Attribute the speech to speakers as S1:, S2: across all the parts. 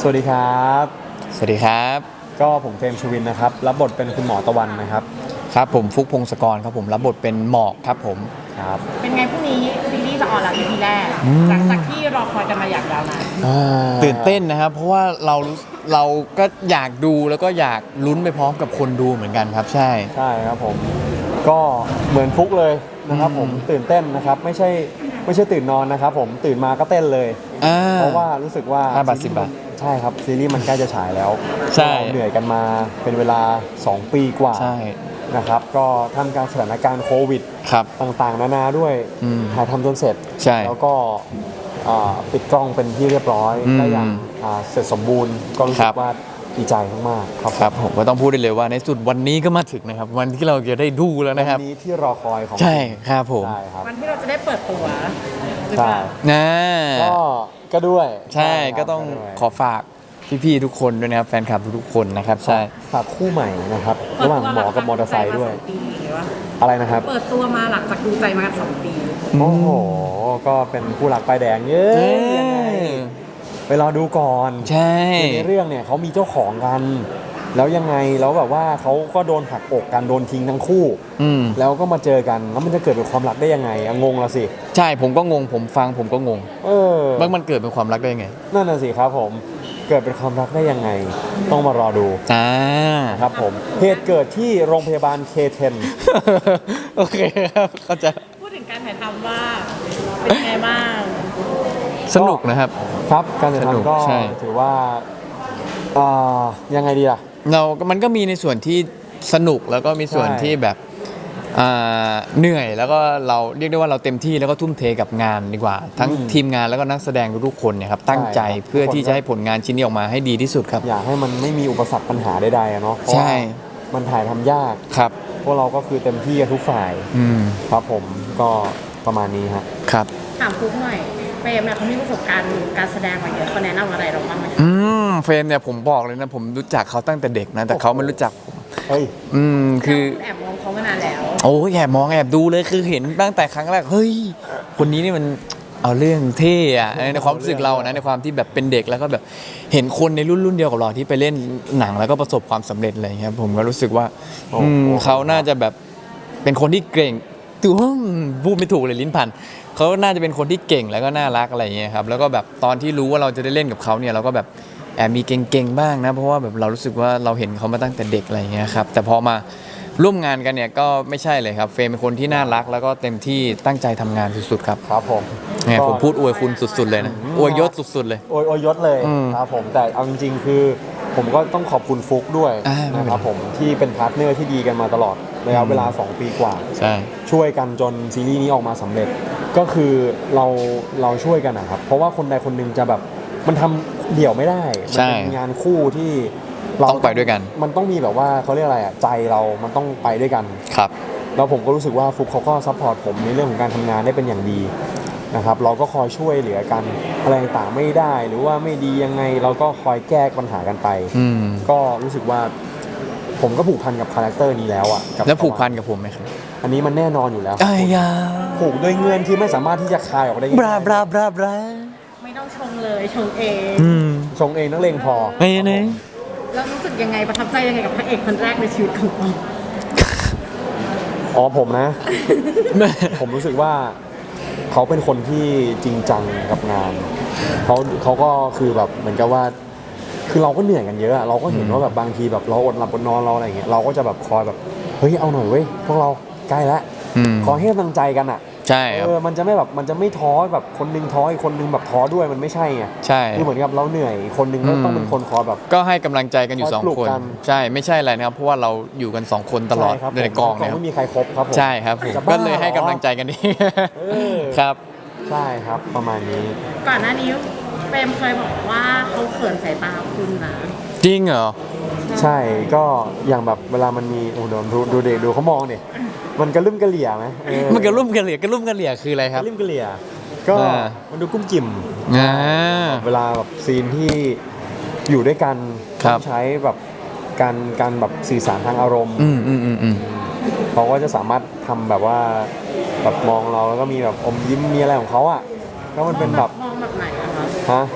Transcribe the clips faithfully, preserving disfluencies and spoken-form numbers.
S1: สวัสดีครับ
S2: สวัสดีครับ
S1: ก็ผมเฟรมชวินนะครับรับบทเป็นคุณหมอตะวันนะครับ
S2: ครับผมฟุกพงศกรครับผมรับบทเป็นหมอกครับผม
S1: ครับ
S3: เป็นไงพรุ่งนี้ซีรีส์จะออนแล้ว อี พี แรกหลังจากที่รอคอยกันมาอย่างยาวนาน
S2: ตื่นเต้นนะครับเพราะว่าเราเราก็อยากดูแล้วก็อยากลุ้นไปพร้อมกับคนดูเหมือนกันครับใช่
S1: ใช่ครับผมก็เหมือนฟุกเลยนะครับผมตื่นเต้นนะครับไม่ใช่ไม่ใช่ตื่นนอนนะครับผมตื่นมาก็เต้นเลยเพราะว่ารู้สึกว่า
S2: ห้าบาทสิบบาท
S1: ใช่ครับซีรีส์มันใกล้จะฉายแล้ว
S2: ใช่
S1: เหนื่อยกันมาเป็นเวลาสองปีกว่า
S2: ใช่
S1: นะครับก็ทำการสถานการณ์โควิด
S2: ครับ
S1: ต่างๆนานาด้วยถ่ายทำจนเสร็จ
S2: ใช่
S1: แล้วก็ปิดกล้องเป็นที่เรียบร้อยได้อย่างเสร็จสมบูรณ์ก็รู้สึกว่าดีใจมากๆครับ
S2: ครับผมก็ต้องพูดได้เลยว่าในสุดวันนี้ก็มาถึงนะครับวันที่เราจะได้ดูแล้วนะครับ
S1: วันนี้ที่รอคอยของ
S2: ใช่ครับผม
S1: ใช่ครับ
S3: วันที่เราจะได้เปิดตัว
S1: ใช่
S2: นะ
S1: ก็ก็ด้วย
S2: ใช่ก็ต้องขอฝากพี่ๆทุกคนด้วยนะครับแฟนคลับทุกๆคนนะครับใช่
S1: ฝากคู่ใหม่นะครับระหว่างหมอกับมอเตอร์ไซค์ด้วยอะไรนะครับ
S3: เปิดตัวมาหลังจากดูใจมาสองปี
S1: โอ้โหก็เป็นคู่หลักป้ายแดงเยอะยังไงไปรอดูก่อน
S2: ใช่
S1: ในเรื่องเนี่ยเขามีเจ้าของกันแล้วยังไงแล้วแบบว่าเขาก็โดนหักอกกันโดนทิ้งทั้งคู่แล้วก็มาเจอกันแล้วมันจะเกิดเป็นความรักได้ยังไงงงละสิ
S2: ใช่ผมก็งงผมฟังผมก็งง
S1: เออ
S2: ว่ามันเกิดเป็นความรักได้ยังไง
S1: นั่นน่ะสิครับผมเกิดเป็นความรักได้ยังไงต้องมารอดู
S2: อ่า
S1: ครับผมเหตุเกิดที่โรงพยาบาล เค เท็น
S2: โอเคครับเข้าใจ
S3: พูดถึงการถ่ายทำว่าเป็นไงบ้าง
S2: สนุกนะครับ
S1: ครับการถ่ายทำก็ถือว่าอ่ายังไงดีล่ะ
S2: เรามันก็มีในส่วนที่สนุกแล้วก็มีส่วนที่แบบเหนื่อยแล้วก็เราเรียกได้ว่าเราเต็มที่แล้วก็ทุ่มเทกับงานดีกว่าทั้งทีมงานแล้วก็นักแสดงทุกคนเนี่ยครับตั้งใจเพื่อที่จะให้ผลงานชิ้นนี้ออกมาให้ดีที่สุดครับ
S1: อยากให้มันไม่มีอุปสรรคปัญหาใดๆเนาะ
S2: ใช่
S1: มันถ่ายทำยาก
S2: ครับ
S1: พวกเราก็คือเต็มที่กันทุกฝ่ายครับผมก็ประมาณนี้ครับ
S2: ครับ
S3: ถามฟุ๊กหน่อยเฟรมเนี่ยเขามีประสบการณ์การแสดงมาเยอะเขาแนะนำอะไรเราบ้างไหม
S2: อืมเฟรมเนี่ยผมบอกเลยนะผมรู้จักเขาตั้งแต่เด็กนะแต่เขาไม่รู้จักผม
S1: เฮ้ย
S2: อืมคือ
S3: แอบมองเขามานานแล้ว
S2: โอ้แอบมองแอบดูเลยคือเห็นตั้งแต่ครั้งแรกเฮ้ยคนนี้นี่มันเอาเรื่องเท่อะในความรู้สึกเรานะในความที่แบบเป็นเด็กแล้วก็แบบเห็นคนในรุ่นรุ่นเดียวกับเราที่ไปเล่นหนังแล้วก็ประสบความสำเร็จอะไรเงี้ยผมก็รู้สึกว่าอืมเขาน่าจะแบบเป็นคนที่เก่งตัวพูดไม่ถูกเลยลิ้นพันเขาน่าจะเป็นคนที่เก่งแล้วก็น่ารักอะไรเงี้ยครับแล้วก็แบบตอนที่รู้ว่าเราจะได้เล่นกับเขาเนี่ยเราก็แบบแอบมีเก่งๆบ้างนะเพราะว่าแบบเรารู้สึกว่าเราเห็นเขามาตั้งแต่เด็กอะไรเงี้ยครับแต่พอมาร่วมงานกันเนี่ยก็ไม่ใช่เลยครับเฟรมเป็นคนที่น่ารักแล้วก็เต็มที่ตั้งใจทำงานสุดๆครับ
S1: ครับผม
S2: เนี่ยผมพูดอวยคุณสุดๆเลยนะอวยยศสุดๆเลย
S1: อวยอวยยศเลยครับผมแต่เอาจริงๆคือผมก็ต้องขอบคุณฟุกด้วยนะครับผมที่เป็นพาร์ทเนอร์ที่ดีกันมาตลอดระยะเวลาสองปีกว่า
S2: ใช่
S1: ช่วยกันจนซีรีส์นี้ออกมาสำเร็จก็คือเราเราช่วยกันนะครับเพราะว่าคนใดคนหนึ่งจะแบบมันทำเดี่ยวไม่ได้มันเป็นงานคู่ที่
S2: เราต้องไปด้วยกัน
S1: มันต้องมีแบบว่าเขาเรียกอะไรอ่ะใจเรามันต้องไปด้วยกัน
S2: ครับ
S1: แล้วผมก็รู้สึกว่าฟุกเขาก็ซัพพอร์ตผมในเรื่องของการทำงานได้เป็นอย่างดีนะครับเราก็คอยช่วยเหลือกันอะไรต่างไม่ได้หรือว่าไม่ดียังไงเราก็คอยแก้ปัญหากันไปก็รู้สึกว่าผมก็ผูกพันกับคาแรคเตอร์นี้แล้วอ่ะ
S2: แล้วผูกพันกับผมไหมครับ
S1: อันนี้มันแน่นอนอยู่แล้วผูกด้วยเงื่อนที่ไม่สามารถที่จะคายออกได้
S2: บราบราบราบรา
S3: ไม่ต้องชงเลยชงเอง
S1: ชงเองนักเลงพอ
S2: ไม่เนย
S3: แล้วรู้สึกยังไงประทับใจยังไงกับพระเอกคนแรกในชีวิตของเรา
S1: อ๋อผมนะผมรู้สึกว่าเขาเป็นคนที่จริงจังกับงานเขาเขาก็คือแบบเหมือนกับว่าคือเราก็เหนื่อยกันเยอะเราก็เห็นว่าแบบบางทีแบบเราอดหลับอดนอนเราอะไรอย่างเงี้ยเราก็จะแบบคอยแบบเฮ้ยเอาหน่อยเว้ยพวกเราใกล้แล้วขอให้กำลังใจกันอ่ะ
S2: ใช่ครับ
S1: เออมันจะไม่แบบมันจะไม่ท้อแบบคนนึงท้ออีกคนนึงแบบท้อด้วยมันไม่ใช่ไง
S2: ใช่
S1: คือเหมือนกับเราเหนื่อยคนนึงก็ต้องเป็นคนคอยแบบ
S2: ก็ให้กำลังใจกันอยู่สองคนใช่ไม่ใช่อะไรนะครับเพราะว่าเราอยู่กันสองคนตลอดในกองเนี่ย
S1: ไม่มีใครครบครับผม
S2: ใช่ครับผมก็เลยให้กำลังใจกันดีครับ
S1: ใช่ครับประมาณนี้
S3: ก่อนหน้านี้เฟรมเคยบอกว่าเขาเขินสายตาคุณนะ
S2: จริงเหรอ
S1: ใช่ก็อย่างแบบเวลามันมีโอ้โหดูดูเด็กดูเขามองเนี่ยมันกระลุ่มกระเหลี่ยไหม
S2: มันกระลุ่มกระเหลี่ยกระลุ่มกระเหลี่ยคืออะไรครับ
S1: กระลุ่มกระเหลี่ยก็มันดูกุ้มกิ่มเวลาแบบซีนที่อยู่ด้วยกันต้องใช้แบบการการแบบสื่อสารทางอารมณ์เขาก็จะสามารถทำแบบว่าแบบมองเราแล้วก็มีแบบอมยิ้มมีอะไรของเขาอ่ะแล้วมันเป็นแบบ
S3: มองแบบไหนอะคะ
S1: ฮะ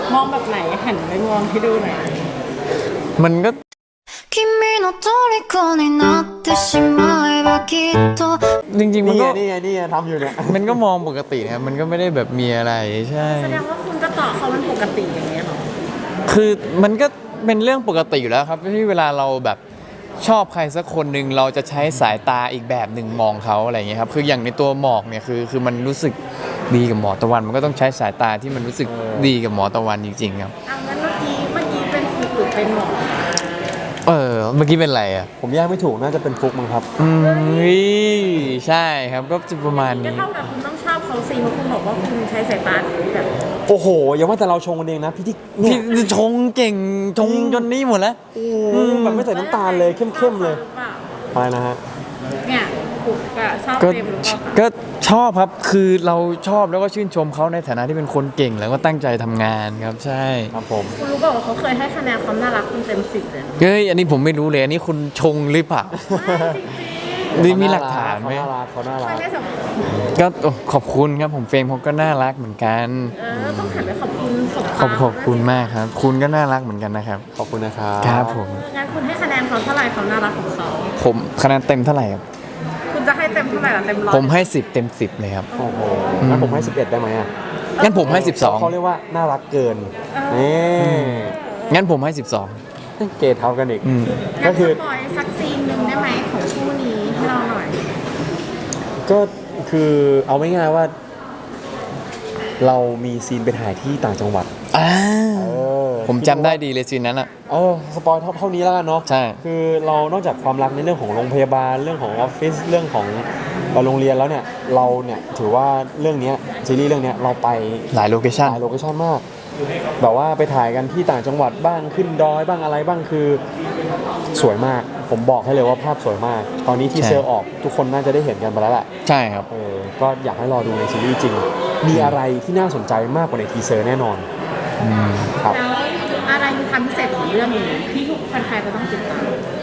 S3: มองแบบไหนหันไปมองให้ดูหน่อย
S2: มันก็
S4: 君の虜になってしまえばきっと
S2: จริงๆมัน
S1: นี่ไง
S2: ก็
S1: นี่ไงนี่ไงทำอยู่เนี่ย
S2: มันก็มองปกตินะครับมันก็ไม่ได้แบบมีอะไรใช่
S3: แสดงว่าคุณก็ต่อเขามันปกติอย่างเงี้ยเหรอ
S2: คือมันก็เป็นเรื่องปกติอยู่แล้วครับที่เวลาเราแบบชอบใครสักคนหนึ่งเราจะใช้สายตาอีกแบบหนึ่งมองเขาอะไรอย่างเงี้ยครับคืออย่างในตัวหมอกเนี่ยคือคือมันรู้สึกดีกับหมอตะวัน มันก็ต้องใช้สายตาที่มันรู้สึกดีกับหมอตะวันจริงๆครับ
S3: เอางั้นเมื่อกี้เมื่อกี้เป็นฟุกหรือเป็นหมอ
S2: เออเมื่อกี้เป็นอะไรอ่ะ
S1: ผมแยกไม่ถูกน่าจะเป็นฟลุกมั้งครับ
S2: อืมใช่ครับก็จะประมาณ
S3: ก็
S2: นี้
S3: เท่ากับคุณต้องชอบเขาสิเพราะคุณบอกว่าคุณใช้สายตาแบบ
S1: โอ้โหอย่าว่าแต่เราชงกันเองนะพี่ที่เนี่
S2: พี่
S1: ย
S2: ชงเก่งชงจนนี่หมดแล้ว
S1: แบบไม่ใส่น้ำตาลเลยเข้มๆเลย
S3: หรือเปล่า
S1: อะไรนะฮะ
S3: เนี่ยฟุกอะชอบ
S2: ก็
S3: เฟรมหรือเปล่าคะ
S2: ก็ชอบครับคือเราชอบแล้วก็ชื่นชมเขาในฐานะที่เป็นคนเก่งแล้วก็ตั้งใจทำงานครับใช่
S1: ครับผม
S3: คุณรู้เปล่าว่าเขาเคยให้คะแนนความน่ารักคุณเต็มสิบเลยนะ
S2: เฮ้ยอันนี้ผมไม่รู้เลยอันนี้คุณชงหรือเปล่า
S3: จริง
S2: นี่มีหลักฐานไหม
S1: เขาน่ารักเขาน่า
S3: ๆ
S1: รั
S3: ไม่
S1: ก
S3: ได้สม
S2: ก็โอ้ขอบคุณครับผมเฟรมเขาก็น่ารักเหมือนกัน
S3: เออต้องหันไปขอบคุณสม
S2: ขอบขอบคุณมากครับ คุณก็น่ารักเหมือนกันนะครับ
S1: ขอบคุณนะครับ
S2: ครับผม
S3: งั้นคุณให้คะแนนเขาเท่าไหร่ความน่ารักของเขา
S2: ผมคะแนนเต็มเท่าไหร่ครับ
S3: คุณจะให้เต็มเท่าไหร่ล่ะเต็มร้อย
S2: ผมให้สิบเต็มสิบเลยครับ
S1: โอ้โหงั้นผมให้สิบเอ็ดได้ไหมอ่ะ
S2: งั้นผมให้สิบสอง
S1: เขาเรียกว่าน่ารักเกินนี่
S2: งั้นผมให้สิบสอง
S1: เกรดเท่ากันอีก
S2: อืม
S1: ก็
S3: งั้น
S1: คือ
S3: สปอยสักซีนหนึ่งได้ไหมของคู่นี้ให้เราหน่อย
S1: ก็คือเอาไม่ง่ายๆว่า เรามีซีนไปถ่ายที่ต่างจังหวัด
S2: อ่า
S1: เออ
S2: ผมจำได้ดีเลยซีนนั้นอ่ะ
S1: เออสปอยเท่าเท่านี้แล้วกันเนาะ
S2: ใช่
S1: คือเรานอกจากความรักในเรื่องของโรงพยาบาลเรื่องของออฟฟิศเรื่องของเอ่อโรงเรียนแล้วเนี่ยเราเนี่ยถือว่าเรื่องเนี้ยซีรีส์เรื่องเนี้ยเราไป
S2: หลายโลเคชั่น
S1: หลายโลเคชั่นมาก แบบว่าไปถ่ายกันที่ต่างจังหวัดบ้างขึ้นดอยบ้างอะไรบ้างคือสวยมาก ผมบอกให้เลยว่าภาพสวยมาก ตอนนี้ที่
S2: ใช่
S1: เซอร์ออกทุกคนน่าจะได้เห็นกันไปแล้วแหละ
S2: ใช่ครับ
S1: เออก็อยากให้รอดูในซีรีส์จริง มีอะไรที่น่าสนใจมากกว่าในทีเซอร์แน่นอนครับ
S3: แล้วอะไรคือความพิเศษของเรื่องนี้ที่ทุกแฟนๆจะต้องติดตาม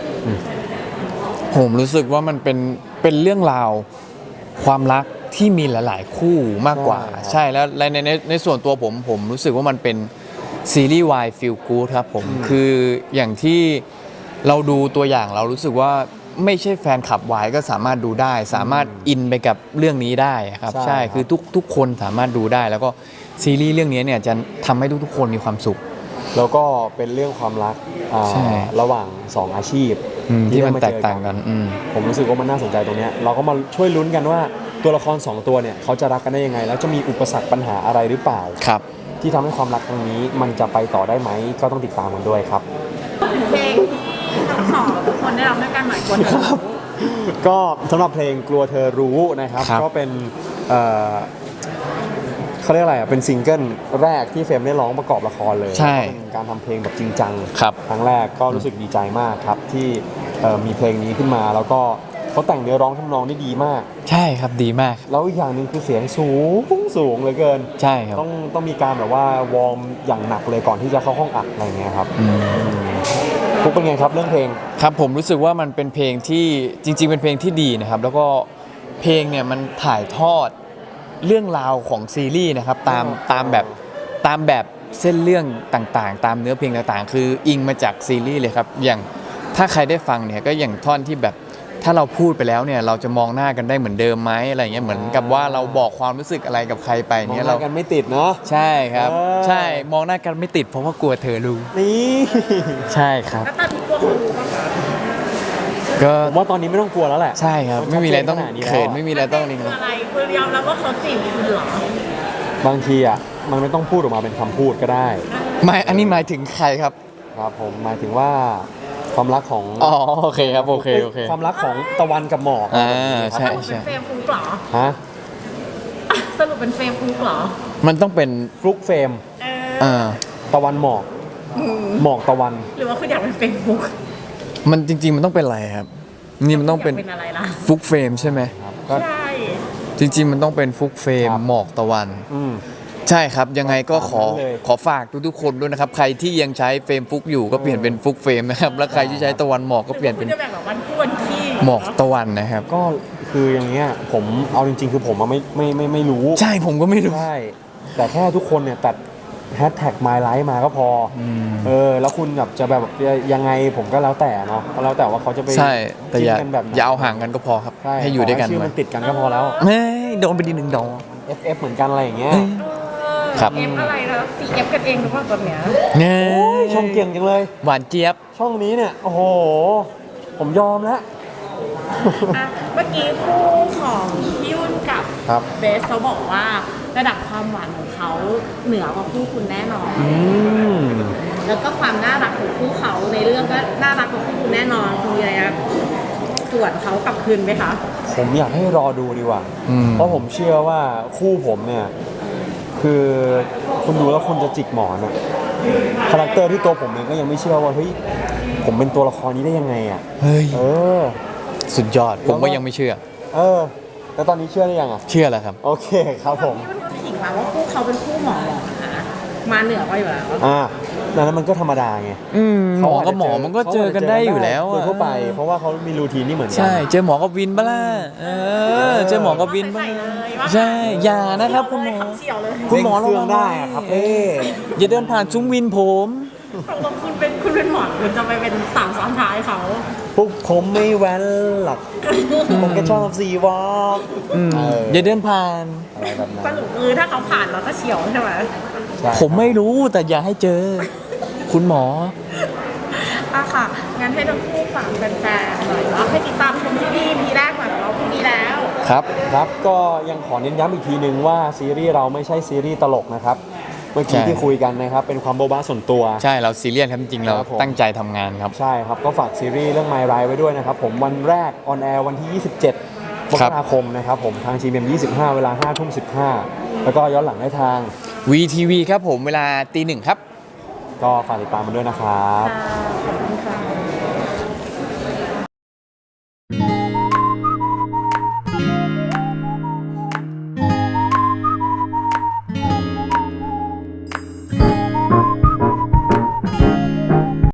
S2: ผมรู้สึกว่ามันเป็นเป็นเรื่องราวความรักที่มีหลาย ๆ คู่มากกว่า
S1: ใช่ครับ
S2: ใช่แล้วในในในในส่วนตัวผมผมรู้สึกว่ามันเป็นซีรีส์วายฟิลกูดครับผมคืออย่างที่เราดูตัวอย่างเรารู้สึกว่าไม่ใช่แฟนคลับวายก็สามารถดูได้ สามารถอินไปกับเรื่องนี้ได้ครับ
S1: ใช่
S2: ใช่
S1: ครับ
S2: คือทุกทุกคนสามารถดูได้ แล้วก็ซีรีส์เรื่องนี้เนี่ยจะทำให้ทุกๆคนมีความสุข
S1: แล้วก็เป็นเรื่องความรักอ่า
S2: ใช่
S1: ระหว่างสองอาชีพ
S2: อืมที่มัน
S1: ได้
S2: แต
S1: เจ
S2: ก
S1: อ
S2: ต่างกันอืม
S1: ผมรู้สึกว่ามันน่าสนใจตรงเนี้ยเราก็มาช่วยลุ้นกันว่าตัวละครสองตัวเนี่ยเขาจะรักกันได้ยังไง แล้วจะมีอุปสรรคปัญหาอะไรหรือเปล่า
S2: ครับ
S1: ที่ทำให้ความรักครั้งนี้มันจะไปต่อได้ไหมก็ต้องติดตามกันด้วยครับ
S3: เพลงที่ทั้งสองคนได้รับด้วยกันหน่อยคน
S1: ครับ ก็สำหรับเพลงกลัวเธอรู้นะครับ
S2: ครับ
S1: ก็เป็นเอ่อเขาเรียกอะไรอ่ะเป็นซิงเกิลแรกที่เฟรมได้ร้องประกอบละครเลย
S2: ใช่
S1: แล้วก็เป็นการทำเพลงแบบจริงจัง
S2: ครับ
S1: ครั้งแรกก็รู้สึกดีใจมากครับที่เอ่อมีเพลงนี้ขึ้นมา แล้วก็เขาแต่งเนื้อร้องทำนองได้ดีมาก
S2: ใช่ครับดีมาก
S1: แล้วอีกอย่างหนึ่งคือเสียงสูงสูงเหลือเกิน
S2: ใช่ครับ
S1: ต้องต้องมีการแบบว่าวอร์มอย่างหนักเลยก่อนที่จะเข้าห้องอัดอะไรเงี้ยครับ
S2: อืม
S1: ฟุกเป็นไงครับเรื่องเพลง
S2: ครับผมรู้สึกว่ามันเป็นเพลงที่จริง ๆ เป็นเพลงที่ดีนะครับ แล้วก็เพลงเนี่ยมันถ่ายทอดเรื่องราวของซีรีส์นะครับตาม
S1: อ๋อ
S2: ตามแบบตามแบบเส้นเรื่องต่างๆ ตามเนื้อเพลงต่างๆ คืออิงมาจากซีรีส์เลยครับอย่างถ้าใครได้ฟังเนี่ยก็อย่างท่อนที่แบบถ้าเราพูดไปแล้วเนี่ยเราจะมองหน้ากันได้เหมือนเดิมไหมอะไรเงี้ยเหมือนกับว่าเราบอกความรู้สึกอะไรกับใครไป
S1: มอง
S2: เนี่ย
S1: ห
S2: เรา
S1: น้ากันไม่ติดเนาะ
S2: ใช่ครับ
S1: เออ
S2: ใช่มองหน้ากันไม่ติดเพราะว่ากลัวเธอรู้
S1: นี่
S2: ใช่ครับ
S3: แล้วตอนที่กลัวเขารู้บ้างคะ
S2: ก็
S1: ผมว่าตอนนี้ไม่ต้องกลัวแล้วแหละ
S2: ใช่ครับไม่มีอะไรต้อง
S1: ชัดเจนขนาดนี้แล้ว
S2: เขินไม่มีอะไรต้องนี่
S3: คืออะไรคือยอมรับว่าเขาจีบคุณเหรอ
S1: บางทีอ่ะมันไม่ต้องพูดออกมาเป็นคำพูดก็ได้
S2: ไม่อันนี้หมายถึงใครครับ
S1: ครับผมหมายถึงว่าความรักของ
S2: อ๋อโอเคครับโอเคโอเค
S1: ความรักของตะวันกับหมอก
S2: อ่า
S3: ส
S2: ใช่
S3: รุปเป็นเฟรมฟุกเหรอ
S1: ฮะ
S3: สรุปเป็นเฟรมฟุกเหรอ
S2: มันต้องเป็น
S1: ฟลุกเฟรม
S3: เออ
S2: อ่า
S1: ตะวันหมอกหมอกตะวัน
S3: หรือว่าคุณอยากเป็นเฟรมฟุก
S2: มันจริง ๆ มันต้องเป็นอะไรครับ นี่มันต้องเป็น
S3: ยากเป็นอะไรล่ะ
S2: ฟุกเฟรมใช่ไหม
S1: ครับก็
S3: ใช่
S2: จริง ๆ มันต้องเป็นฟุกเฟรม
S1: ครับ
S2: หมอกตะวัน
S1: อืม
S2: ใช่ครับยังไงก็ขอ
S1: ตามนั้นเลย
S2: ขอฝากทุกๆคนด้วยนะครับ ใครที่ยังใช้เฟรมฟุกอยู่ก็เปลี่ยนเป็นฟุกเฟรมนะครับแล้วใครที่ใช้ตะวันหมอกก็เปลี่ยนเป็น
S3: หรือว่าคุณจะแบ่งแบบวันคู่วันขี้
S2: หมอกตะวันนะครับ
S1: ก็คืออย่างเงี้ยผมเอาจริงๆ คือผมอะไม่ไม่ไม่ไม่รู้
S2: ใช่ผมก็ไม่รู้
S1: ใช่แต่แค่ทุกคนเนี่ยตัดแฮชแท็ก my life มาก็พออเออแล้วคุณแบบจะแบบยังไงผมก็แล้วแต่เนาะก็แล้วแต่ว่าเขาจะไป
S2: ใช่แต่อย่า
S1: จิ้นกันแบบไหน
S2: อย่าเอาห่างกันก็พอครับ
S1: ช่
S2: ให้อยู่ด้วยกัน
S1: ขชื่อ
S2: ไว้
S1: มันติดกันก็พอแล้ว
S2: เฮ้ยโดนไปดีหนึ่งดอก
S1: เอฟ เอฟ เหมือนกันอะไรอย่างเงี้ย
S2: ครับ
S3: เอฟอะไรนะซีเอฟกันเองหรือเปล่าตอนเนี้ย
S2: เนี่ย
S1: โอ้ยชมเก่งจังเลย
S2: หวานเจี๊ยบ
S1: ช่องนี้เนี่ยโอ้โหผมยอมแล้ว
S3: อ่ะเมื่อกี้คู่ของพี่ยุ่นกับ
S1: ครับ
S3: เบสเขาบอกว่าระดับความหวานของเขาเหนือกว่าคู่คุณแน่นอน
S1: อืม
S3: แล้วก็ความน่ารักของคู่เขาในเรื่องก็น่ารักกว่าคู่คุณแน่นอนคุณมีอะไรจะส่วนเขากลับคืนไหมคะ
S1: ผมอยากให้รอดูดีกว่า
S2: อืม
S1: เพราะผมเชื่อว่าคู่ผมเนี่ย คือคุณดูแล้วคุณจะจิกหมอนอะคาแรคเตอร์ที่ตัวผมเองก็ยังไม่เชื่อว่าเฮ้ยผมเป็นตัวละครนี้ได้ยังไงอะ
S2: เฮ้ย
S1: เออ
S2: สุดยอด ผมก็ยังไม่เชื่อ
S1: เออ แล้วตอนนี้เชื่อหรือยังอะ
S2: เชื่อแล้วครับ
S1: โอเคครับผม
S3: พี่ยุ่นก็ขิงมาว่าคู่เขาเป็นคู่หมอหรอนะมาเหนือกว่าอยู่แล้ว
S1: อ่านั้นมันก็ธรรมดาไง
S2: อืมหมอ
S1: เขาาจ
S2: กับ
S1: จะ
S2: หมอมันก็เจอกันได้อยู่แล้ว
S1: โดย
S2: อะ
S1: ทั่วไป เพราะว่าเขามีรูทีนนี่เหมือนกั
S2: ใช่ เจอหมอกับวินบ้าล่ะเออ เจอหมอกับวินบ้างใช่ อย่านะครับคุณหมอ
S3: เฉียวเลย
S2: คุณหมอ
S1: เร่งเครื่องได้อะครับเอ้
S2: อย่าเดินผ่านซุ้มวินผม
S3: ตกลงคุณเป็นคุณเป็นหมอคุณจะไปเป็นสาวซ้อนท้ายเขา
S1: พวกผมไม่แว้นหรอก ผมแค่ชอบซีวอล์ก
S2: อืม
S1: เออ
S2: อย่าเดินผ่าน
S1: อะไรแบบนั้น
S3: สรุปคือถ้าเขาผ่านเราก็เฉียวใช่ไหม
S1: ใช่
S2: ผมไม่รู้แต่อย่าให้เจอ คุณหมอ
S3: อ่ะค่ะ งั้นให้ทั้งคู่ฝากแฟนๆหน่อยว่าให้ติดตามชมซีรีส์ พีแรกหน่อยของเราพรุ่งนี้แล้ว
S1: ครับครับก็ยังขอเน้นย้ำอีกทีนึงว่าซีรีส์เราไม่ใช่ซีรีส์ตลกนะครับ เมื่อกี้
S2: ใช่
S1: ที่คุยกันนะครับ เป็นความโบ๊ะบ้าส่วนตัว
S2: ใช่เราซีเรียสครับจริงๆเรา
S1: ครับผม
S2: ตั้งใจทำงานครับ
S1: ใช่ครับ ก็ฝากซีรีส์เรื่อง My Ride ไว้ด้วยนะครับ ผมวันแรกออนแอร์วันที่ ยี่สิบเจ็ดม
S2: ครั
S1: ก
S2: บ
S1: ราคมนะครับผมทาง จี เอ็ม ยี่สิบห้า เวลาห้าทุ่มสิบห้าแล้วก็ย้อนหลังได้ทาง
S2: วี ที วี ครับผมเวลาตีหนึ่งครับ
S1: ก็ฝากติดตามมันด้วยนะครับ
S3: ค่ะขอบคุณค่ะ